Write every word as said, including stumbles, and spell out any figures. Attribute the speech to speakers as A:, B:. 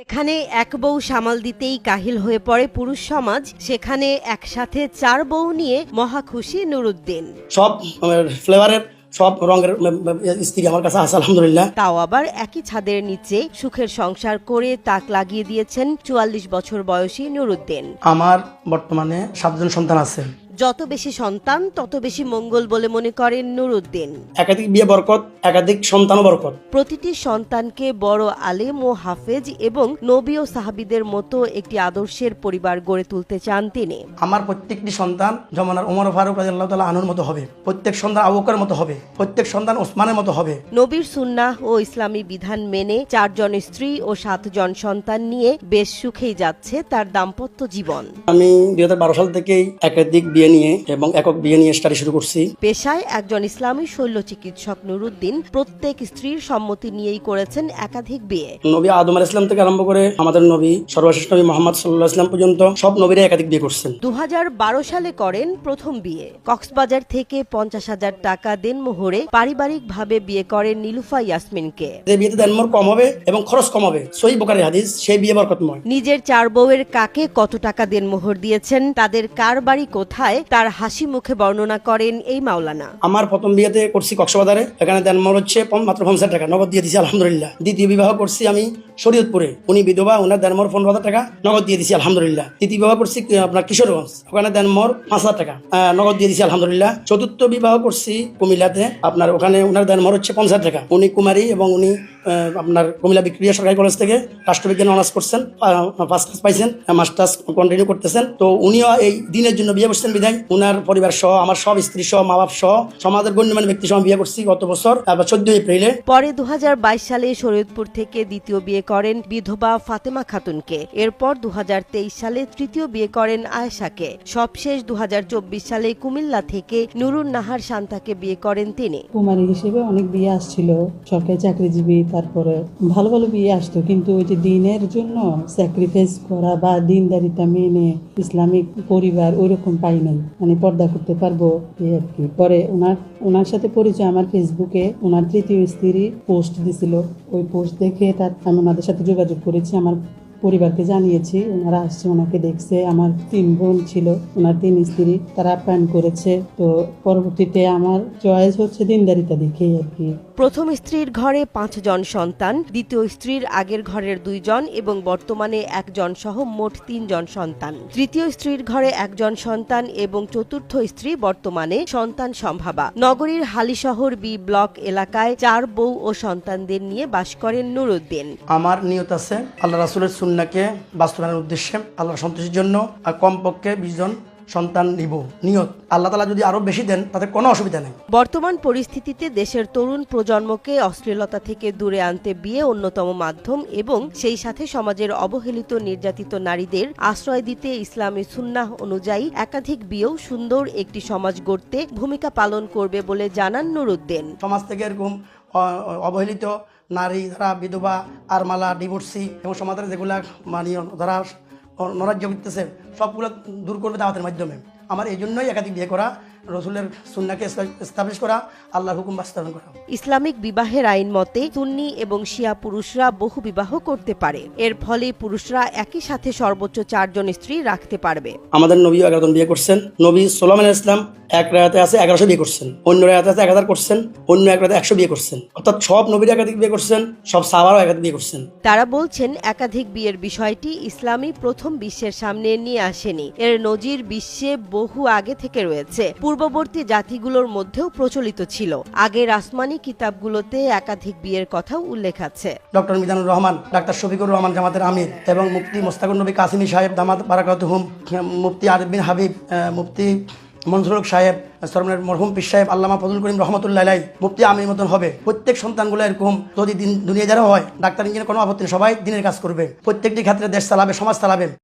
A: এখানে এক বউ সামাল দিতেই কাহিল হয়ে পড়ে পুরুষ সমাজ, সেখানে একসাথে চার বউ নিয়ে মহা খুশি নুরুদ্দিন।
B: সব ফ্লেভারের সব রঙের স্ত্রী আমার কাছে আছে আলহামদুলিল্লাহ।
A: তাও আবার একই ছাদের নিচে সুখের সংসার করে তাক লাগিয়ে দিয়েছেন চুয়াল্লিশ বছর বয়সী নুরুদ্দিন।
B: আমার বর্তমানে সাতজন সন্তান আছে।
A: যত বেশি সন্তান তত বেশি মঙ্গল বলে মনে করেন নুরুদ্দিন।
B: একাধিক বিয়ে বরকত, একাধিক সন্তান বরকত।
A: প্রতিটি সন্তানকে বড় আলেম ও হাফেজ এবং নবী ও সাহাবীদের মতো একটি আদর্শের পরিবার গড়ে তুলতে চান তিনি।
B: আমার প্রত্যেকটি সন্তান জমানার ওমর ফারুক রাদিয়াল্লাহু তাআলা আনহুর মতো হবে, প্রত্যেক সন্তান আবু বকরের মতো হবে, প্রত্যেক সন্তান ওসমানের মতো হবে।
A: নবীর সুন্নাহ ও ইসলামী বিধান মেনে চারজন স্ত্রী ও সাতজন সন্তান নিয়ে বেশ সুখেই যাচ্ছে তার দাম্পত্য জীবন।
B: আমি দুই হাজার বারো সাল থেকেই একাধিক বিয়ে নিয়ে এবং একক বিয়ে নিয়ে স্টাডি শুরু করছি।
A: পেশায় একজন ইসলামী শল্য চিকিৎসক নুরুদ্দিন প্রত্যেক স্ত্রীর সম্মতি নিয়েই করেছেন একাধিক বিয়ে।
B: নবী আদম আলাইহিস সালাম থেকে আরম্ভ করে আমাদের নবী সর্বশেষ নবী মুহাম্মদ সাল্লাল্লাহু আলাইহি ওয়াসাল্লাম পর্যন্ত সব নবীরা একাধিক বিয়ে করছেন।
A: দু হাজার বারো সালে করেন প্রথম বিয়ে। কক্সবাজার থেকে পঞ্চাশ হাজার টাকা দেনমোহরে পারিবারিকভাবে বিয়ে করেন নীলুফা ইয়াসমিনকে।
B: যে বিয়েতে দেনমোহর কম হবে এবং খরচ কম হবে, সহিহ বুখারী হাদিস, সেই বিয়ে বরকতময়।
A: নিজের চার বউয়ের কাকে কত টাকা দেনমোহর দিয়েছেন, তাদের কার বাড়ি কোথায়, তার হাসি মুখে বর্ণনা করেন এই মাওলানা।
B: আমার প্রথম বিয়েতে করছি কক্সবাজারে, এখানে দেনমোহর হচ্ছে মাত্র পঞ্চাশ টাকা, নগদ দিয়ে দিছি আলহামদুলিল্লাহ। দ্বিতীয় বিবাহ করছি আমি শরীয়তপুরে, উনি বিধবা, ওনার দেনমোহর পনেরো হাজার টাকা, নগদ দিয়ে দিছি আলহামদুলিল্লাহ। তৃতীয় বিবাহ করছি আপনার কিশোরগঞ্জ, ওখানে দেনমোহর পাঁচ হাজার টাকা, নগদ দিয়ে দিছি আলহামদুলিল্লাহ। চতুর্থ বিবাহ করছি কুমিল্লাতে, আপনার ওখানে ওনার দেনমোহর হচ্ছে পঞ্চাশ টাকা। উনি কুমারী এবং উনি আপনার কুমিল্লা ভিক্টোরিয়া সরকারি কলেজ থেকে রাষ্ট্রবিজ্ঞান অনার্স করছেন, ফার্স্ট ক্লাস পাইছেন, মাস্টার্স কন্টিনিউ করতেছেন। তো উনিও এই দিনের জন্য বিয়ে করছেন বিধায় উনার পরিবার সহ, আমার সব স্ত্রী সহ, মা বাপ সহ, সমাজের গণ্যমান্য ব্যক্তি সহ বিয়ে করছি গত বছর চোদ্দই এপ্রিলে।
A: পরে দু হাজার বাইশ সালে শরীয়তপুর থেকে দ্বিতীয় বিয়ে করেন বিধবা ফাতেমা খাতুনকে। এরপর দু হাজার তেইশ সালে তৃতীয় বিয়ে করেন আয়েশাকে। সবশেষ দু হাজার চব্বিশ সালে কুমিল্লা থেকে নুরুন নাহার শান্তাকে বিয়ে করেন তিনি।
C: কুমারী হিসেবে অনেক বিয়ে আসছিল, সরকারি চাকরিজীবী, তারপরে ভালো ভালো বিয়ে আসতো, কিন্তু ওই যে দিনের জন্য স্যাক্রিফাইস করা বা দিনদারিতা মেনে ইসলামিক পরিবার ওইরকম পাই নাই, মানে পর্দা করতে পারবো এই আর কি। পরে ওনার ওনার সাথে পরিচয় আমার ফেসবুকে, ওনার তৃতীয় স্ত্রী পোস্ট দিছিল, ওই পোস্ট দেখে তার আমি ওনাদের সাথে যোগাযোগ করেছি, আমার পরিবারকে জানিয়েছি, ওনারা আসছে, ওনাকে দেখছে। আমার তিন বোন ছিল, ওনার তিন স্ত্রী, তারা আপ্যায়ন করেছে। তো পরবর্তীতে আমার চয়েস হচ্ছে দিনদারিতা দেখেই আর কি।
A: প্রথম স্ত্রীর ঘরে পাঁচজন সন্তান, দ্বিতীয় স্ত্রীর আগের ঘরের দুইজন এবং বর্তমানে একজন সহ মোট তিনজন সন্তান। তৃতীয় স্ত্রীর ঘরে একজন সন্তান এবং চতুর্থ স্ত্রী বর্তমানে সন্তান সম্ভাবা। নগরীর হালিশহর বি ব্লক এলাকায় চার বউ ও সন্তানদের নিয়ে বাস করেন নুরুদ্দিন।
B: আমার নিয়ত আছে আল্লাহ রাসূলের সুন্নাহকে বাস্তবায়নের উদ্দেশ্যে, আল্লাহর সন্তুষ্টির জন্য, আর কমপক্ষে বিশ জন সন্তান নিব নিয়ত। আল্লাহ তাআলা যদি আরো বেশি দেন তাতে কোনো অসুবিধা নেই।
A: বর্তমান পরিস্থিতিতে দেশের তরুণ প্রজন্মকে অশ্লীলতা থেকে দূরে আনতে বিয়ে অন্যতম মাধ্যম এবং সেই সাথে সমাজের অবহেলিত নির্যাতিত নারীদের আশ্রয় দিতে ইসলামী সুন্নাহ অনুযায়ী একাধিক বিয়েও সুন্দর একটি সমাজ গড়তে ভূমিকা পালন করবে বলে জানান নুরুদ্দিন।
B: সমাজ থেকে এরকম অবহেলিত নারী যারা বিধবা, আরমালা, ডিভোর্সি এবং সমাজের যেগুলা মানে যারা নরাজ্য করতেছে সবগুলো দূর করবে দাওয়াতের মাধ্যমে। আমার এই জন্যই একাধিক বিয়ে করা, রসুলের সুন্নাহকে এস্টাবলিশ করা, আল্লাহর হুকুম বাস্তবায়ন করা।
A: ইসলামিক বিবাহের আইন মতে সুন্নি এবং শিয়া পুরুষরা বহু বিবাহ করতে পারে। এর ফলে পুরুষরা একই সাথে সর্বোচ্চ চারজন স্ত্রী রাখতে পারবে।
B: আমাদের নবী এগারো জন বিয়ে করছেন। নবী সুলাইমান আলাইহিস সালাম এক রাতে আছে এগারোশো বিয়ে করছেন, অন্য রাতে আছে এক হাজার করছেন, অন্য এক রাতে একশো বিয়ে করছেন। অর্থাৎ সব নবীরা একাধিক বিয়ে করছেন, সব সাহাবারাও একাধিক বিয়ে করছেন।
A: তারা বলছেন একাধিক বিয়ের বিষয়টি ইসলামী প্রথম বিশ্বের সামনে নিয়ে আসেনি, এর নজির বিশ্বে বহু আগে থেকে রয়েছে। পূর্ববর্তী জাতিগুলোর মধ্যেও প্রচলিত ছিল। আগের আসমানি কিতাবগুলোতে একাধিক বিয়ের কথাও উল্লেখ আছে।
B: ডক্টর মিজানুর রহমান, ডাক্তার শফিকুর রহমান জামাতের আমির এবং মুফতি মোস্তাকুর নবী কাসিমি সাহেব দামাত বারাকাতুহুম, মুফতি আরিফ বিন হাবিব, মুফতি মনসুর সাহেব, সরমনের মরহুম পীর সাহেব আল্লামা ফজলুল করিম রহমতুল্লাহ আলাইহি, মুফতি আমির মতন হবে। প্রত্যেক সন্তানগুলো এরকম যদি দিন দুনিয়া যারা হয়, ডাক্তার ইঞ্জিনিয়ার কোনো আপত্তি নেই, সবাই দিনের কাজ করবে, প্রত্যেকটি ক্ষেত্রে দেশ চালাবে, সমাজ চালাবে।